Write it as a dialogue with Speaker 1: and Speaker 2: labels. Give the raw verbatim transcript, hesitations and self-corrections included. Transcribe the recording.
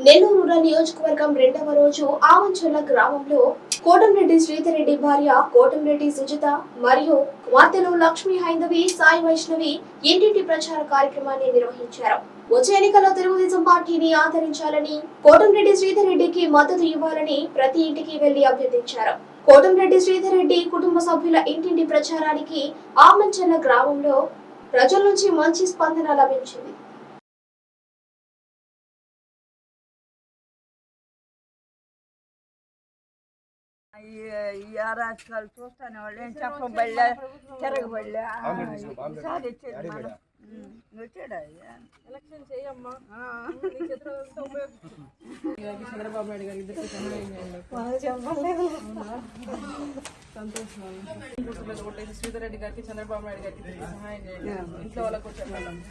Speaker 1: Nellore rural నియోజకవర్గం రెండవ రోజు ఆమంచర్ల గ్రామంలో కోటంరెడ్డి శ్రీధర్ రెడ్డి భార్య కోటంరెడ్డి సుజిత మరియు కుమార్తెలు లక్ష్మీ హైందవి సాయి వైష్ణవి ఇంటింటి ప్రచార కార్యక్రమాన్ని నిర్వహించారు. వచ్చే ఎన్నికల్లో తెలుగుదేశం పార్టీని ఆదరించాలని, కోటంరెడ్డి శ్రీధర్ రెడ్డికి మద్దతు ఇవ్వాలని ప్రతి ఇంటికి వెళ్లి అభ్యర్థించారు. కోటంరెడ్డి శ్రీధర్ రెడ్డి కుటుంబ సభ్యుల ఇంటింటి ప్రచారానికి ఆమంచర్ల గ్రామంలో ప్రజల నుంచి మంచి స్పందన లభించింది.
Speaker 2: ఈ అరాచకాలు చూస్తానే వాళ్ళు ఏం చెప్పబడలే, తిరగబడలే. ఈసారి ఇచ్చేది మనం వచ్చాడా
Speaker 3: ఎలక్షన్ చేయమ్మా. చంద్రబాబు నాయుడు గారి ఇద్దరికి సంతోషం. ఓటేసి శ్రీధర్ రెడ్డి గారికి, చంద్రబాబు నాయుడు గారికి సహాయం చేయండి. ఇంట్లో వాళ్ళకు చెప్పాలి.